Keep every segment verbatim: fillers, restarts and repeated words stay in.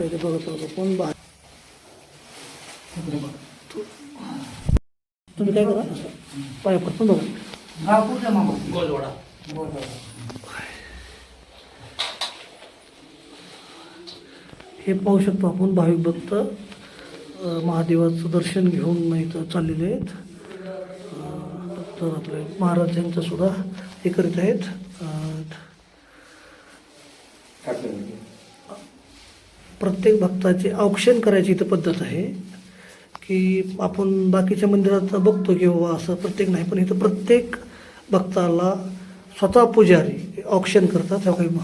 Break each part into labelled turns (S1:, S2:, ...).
S1: आहे ते बघत होतो कोण बा तुम्ही काय करा पाय पडतो बघा
S2: गाव कुठलं मामा?
S3: गोलवाडा.
S1: हे पाहू शकतो आपण भाविक भक्त अ, महादेवाचं दर्शन घेऊन इथं चाललेले आहेत. अ, तर आपले महाराज यांचं सुद्धा हे करीत आहेत. अ, प्रत्येक भक्ताचे औक्षण करायची इथं पद्धत आहे की आपण बाकीच्या मंदिरात बघतो की बाबा असं प्रत्येक नाही, पण इथं प्रत्येक भक्ताला स्वतः पुजारी औक्षण करतात. ह्या काही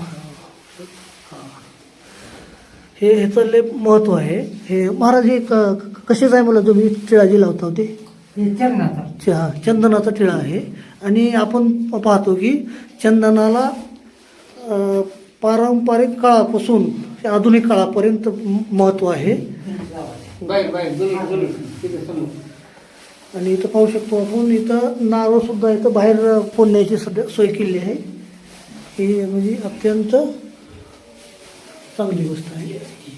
S1: हे ह्याचं लय महत्त्व आहे. हे महाराज हे क कसेच आहे मला तुम्ही टिळा जी लावता होते
S2: हे चंदनाचा.
S1: च- हा चंदनाचा टिळा आहे. आणि आपण पाहतो की चंदनाला अ, पारंपरिक काळापासून ते आधुनिक काळापर्यंत महत्त्व आहे.
S3: बाहेर बाहेर जुलून जुलून तिथे समोर.
S1: आणि इथं पाहू शकतो आपण इथं नारळसुद्धा इथं बाहेर फोडण्याची सध्या सोय केली आहे. ही म्हणजे अत्यंत चांगली गोष्ट आहे.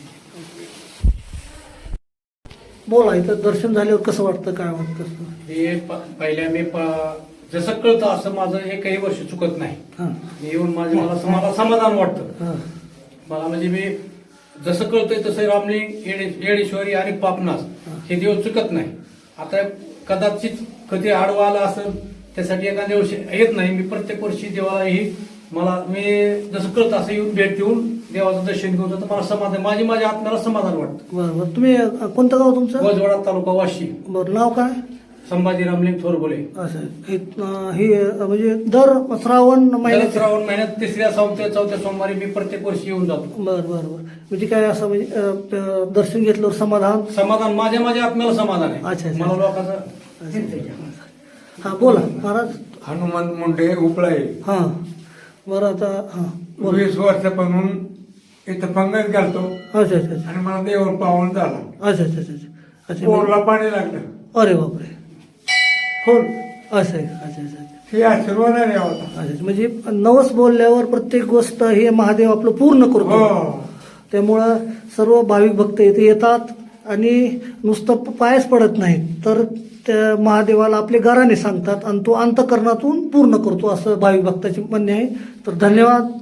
S1: बोला इथं दर्शन झाल्यावर कसं वाटतं, काय वाटतं?
S3: हे प- पहिल्या मी प- जसं कळतं असं माझं एकही वर्ष चुकत नाही.
S1: हां
S3: मी येऊन माझे मला सम- मला समाधान वाटतं.
S1: हां
S3: मला म्हणजे मी जसं कळतंय तसं रामलिंग येडे- येडेश्वरी आणि पापनास हे देव चुकत नाही. आता कदाचित कधी आडवा आला असेल त्यासाठी एखाद्या वर्षी येत नाही. मी प्रत्येक वर्षी देवाला ही मला मी जसं कळतं असं येऊन भेट देऊन देवाचं दर्शन घेऊन जातं. मला समाधान माझी माझ्या आत्म्याला समाधान वाटतं.
S1: बरं बरं तुम्ही अ, कोणतं गाव तुमचं?
S3: गोजवाडा तालुका वाशी.
S1: बरं नाव काय?
S3: संभाजी रामलिंग थोरबोले.
S1: असं आहे. हे अ, हे अ, म्हणजे दर श्रावण
S3: दर
S1: महिन्यात
S3: श्रावण महिन्यात तिसऱ्या चौथ्या चौथ्या सोमवारी मी प्रत्येक वर्षी येऊन जातो.
S1: बरं बरं बरं म्हणजे काय असं म्हणजे अ, अ, दर्शन घेतल्यावर समाधान.
S3: समाधान माझ्या माझ्या आत्म्याला समाधान
S1: अच्छा,
S3: आहे.
S1: अच्छा.
S3: मला लोकांचं
S1: हां बोला महाराज.
S4: हनुमान मुंडे उपळाई.
S1: हां बरं आता हां बोला.
S4: वीस वर्षापासून इथं पंगत घालतो
S1: अच्छा अच्छा अच्छा
S4: आणि मला देवर पावन झाला.
S1: अच्छा अच्छा अच्छा अच्छा
S4: पोरला पाणी लागलं.
S1: अरे बापरे हो असं आहे. अच्छा अच्छा अच्छा
S4: हे आशीर्वाद आहे देवाचा.
S1: अच्छा अच्छा. म्हणजे नवस बोलल्यावर प्रत्येक गोष्ट हे महादेव आपलं पूर्ण करतो.
S4: हो.
S1: त्यामुळं सर्व भाविक भक्त इथे येतात आणि नुसतं पायच पडत नाहीत, तर त्या महादेवाला आपले गाराने सांगतात आणि तो अंतःकरणातून पूर्ण करतो असं भाविक भक्ताचे म्हणणे आहे. तर धन्यवाद.